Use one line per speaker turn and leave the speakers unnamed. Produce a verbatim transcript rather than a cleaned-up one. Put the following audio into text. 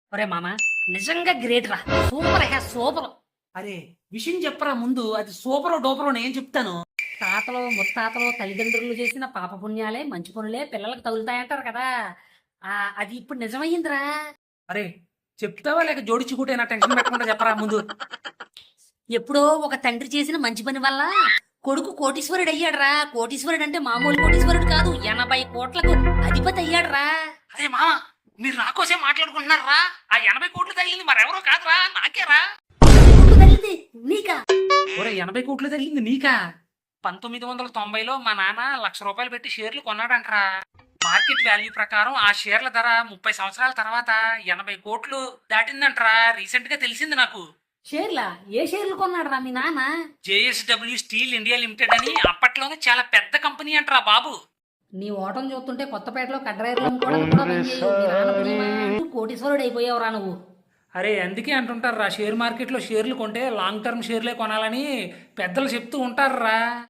ఒరే మామ, నిజంగా గ్రేట్ రా. సూపర్ హే సూపర్.
అరే విషయం చెప్పరా ముందు, అది సూపరో డోపరో నేను చెప్తాను.
తాతలు ముత్తాతలు తల్లిదండ్రులు చేసిన పాప పుణ్యాలే మంచి పనులే పిల్లలకు తగులుతాయంటారు కదా. ఆ అది ఇప్పుడు నిజమయ్యిందిరా.
అరే చెప్తావా లేక జోడించి కూటే నా టెన్షన్ పెట్టకుండా చెప్పరా ముందు.
ఎప్పుడో ఒక తండ్రి చేసిన మంచి పని వల్ల కొడుకు కోటీశ్వరుడు అయ్యాడురా. కోటీశ్వరుడు అంటే మామూలు కోటీశ్వరుడు కాదు, ఎనభై కోట్లకు అధిపతి అయ్యాడురా.
అరే మామ, మీరు నా కోసే మాట్లాడుకుంటున్నారా? ఆ ఎనభై కోట్లు తగిలింది మరెవరో కాదురా, నాకేరా.
కోట్లు తగిలింది నీకా?
ఒరే ఎనభై కోట్లు తగిలింది నీకా? పంతొమ్మిది వందల తొంభైలో మా నాన్న లక్ష రూపాయలు పెట్టి షేర్లు కొన్నాడంటరా. మార్కెట్ వాల్యూ ప్రకారం ఆ షేర్ల ధర ముప్పై సంవత్సరాల తర్వాత ఎనభై కోట్లు దాటిందంటరా. రీసెంట్ గా తెలిసింది నాకు.
షేర్లా? ఏ షేర్లు కొన్నాడురా మీ నాన్న?
జేఎస్డబ్ల్యూ స్టీల్ ఇండియా లిమిటెడ్ అని అప్పట్లోనే చాలా పెద్ద కంపెనీ అంటరా బాబు.
నీ ఓటం చూస్తుంటే కొత్తపేటలో కడ్రాయిలు అమ్ముకోవడానికి కూడా పనిచేయవు. మీ నాన్న పుణ్యమా? కోటీశ్వరుడు అయిపోయావురా నువ్వు.
అరే అందుకే అంటుంటారా, షేర్ మార్కెట్లో షేర్లు కొంటే లాంగ్ టర్మ్ షేర్లే కొనాలని పెద్దలు చెప్తూ ఉంటారా.